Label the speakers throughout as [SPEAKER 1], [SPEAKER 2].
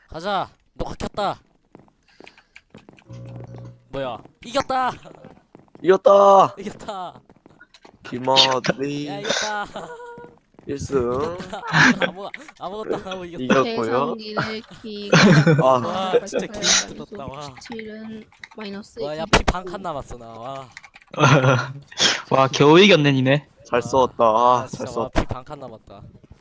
[SPEAKER 1] 가자. 녹화 켰다. 뭐야? 이겼다.
[SPEAKER 2] 이겼다.
[SPEAKER 1] 이겼다. 야
[SPEAKER 2] 김어리
[SPEAKER 1] 이겼다.
[SPEAKER 2] 1승
[SPEAKER 1] 아무것도 안 하고 이겼다.
[SPEAKER 2] 이겼고요.
[SPEAKER 3] 계산기를 키고
[SPEAKER 2] 아,
[SPEAKER 1] 와 진짜 개힘들었다. 와.
[SPEAKER 3] 97은 마이너스
[SPEAKER 1] 와 야 피 반 칸 남았어 나. 와.
[SPEAKER 4] 와 겨우 이겼네 니네.
[SPEAKER 2] 잘 싸웠다. 아,
[SPEAKER 1] 진짜
[SPEAKER 2] 잘 싸웠다.
[SPEAKER 1] 와피 반 칸 남았다.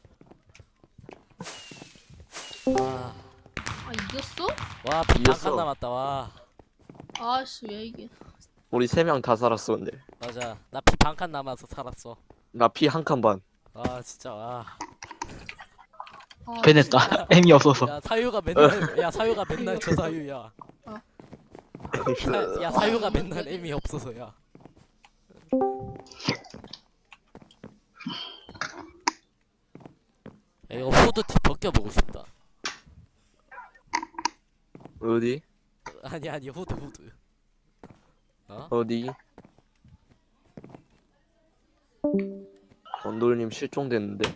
[SPEAKER 1] 와.
[SPEAKER 3] 아 이겼어?
[SPEAKER 1] 와피 반
[SPEAKER 2] 이겼어.
[SPEAKER 1] 칸 남았다. 와.
[SPEAKER 3] 아씨 왜 이게
[SPEAKER 2] 우리 3명 다 살았어 근데.
[SPEAKER 1] 맞아. 나 피 반 칸 남아서 살았어.
[SPEAKER 2] 나 피 한 칸 반.
[SPEAKER 1] 와 진짜 와.
[SPEAKER 3] 아,
[SPEAKER 4] 배냈다. 애미 없어서.
[SPEAKER 1] 야 사유가 맨날 야 사유가 맨날 저 사유야. 야 사유가 맨날 애미 없어서야. 야, 이거 후드티 벗겨보고 싶다.
[SPEAKER 2] 어디?
[SPEAKER 1] 아니 후드. 어?
[SPEAKER 2] 어디? 원돌님 실종됐는데.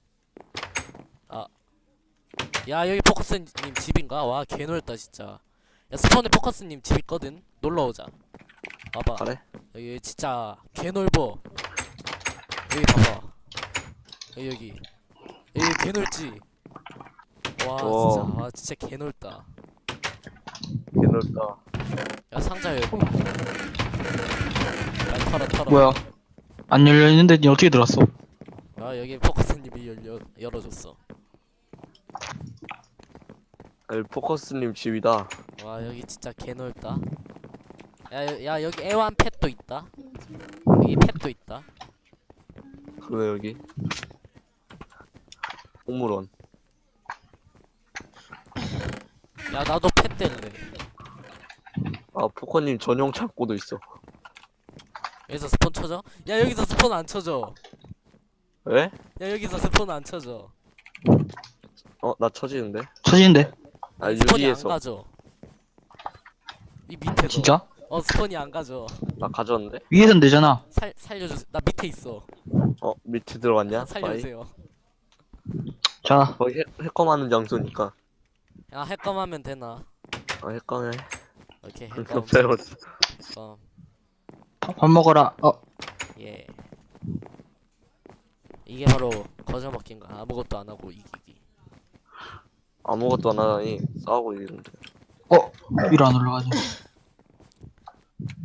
[SPEAKER 1] 야 여기 포커스님 집인가? 와 개넓다 진짜. 야 스폰에 포커스님 집 있거든. 놀러 오자. 와봐.
[SPEAKER 2] 그래?
[SPEAKER 1] 여기 진짜 개넓어. 여기 봐봐. 여기 개넓지. 와 진짜 와 진짜 개넓다.
[SPEAKER 2] 개넓다.
[SPEAKER 1] 야 상자 여기. 야 털어.
[SPEAKER 4] 뭐야? 안 열려 있는데 니 어떻게 들어왔어?
[SPEAKER 1] 아 여기 포커스님이 열어줬어.
[SPEAKER 2] 여기 포커스님 집이다.
[SPEAKER 1] 와 여기 진짜 개넓다. 야 여기 애완 펫도 있다. 여기 펫도 있다.
[SPEAKER 2] 그래 여기. 동물원.
[SPEAKER 1] 야 나도 펫 될래.
[SPEAKER 2] 아 포커님 전용 창고도 있어.
[SPEAKER 1] 여기서 스폰 쳐져? 야 여기서 스폰 안 쳐져.
[SPEAKER 2] 왜?
[SPEAKER 1] 야 여기서 스폰 안 쳐져.
[SPEAKER 2] 나 쳐지는데?
[SPEAKER 4] 처지는데?
[SPEAKER 2] 아
[SPEAKER 1] 스폰이 안
[SPEAKER 2] 유리에서.
[SPEAKER 1] 가져. 이 밑에서.
[SPEAKER 4] 진짜?
[SPEAKER 1] 스폰이 안 가져.
[SPEAKER 2] 나 가졌는데?
[SPEAKER 4] 위에선 되잖아.
[SPEAKER 1] 살려주세요. 나 밑에 있어.
[SPEAKER 2] 밑에 들어갔냐?
[SPEAKER 1] 살려주세요.
[SPEAKER 4] 자,
[SPEAKER 2] 거기 해검하는 장소니까.
[SPEAKER 1] 야 핵검하면 되나?
[SPEAKER 2] 해검해.
[SPEAKER 1] 오케이
[SPEAKER 2] 그렇게
[SPEAKER 1] 핵검.
[SPEAKER 2] 배웠어.
[SPEAKER 1] 핵검.
[SPEAKER 4] 밥 먹어라.
[SPEAKER 1] 예. 이게 바로 거저먹기인가? 아무것도 안 하고 이기기.
[SPEAKER 2] 아무것도 안 하다니 싸우고 있는데.
[SPEAKER 4] 위로 안 올라가지.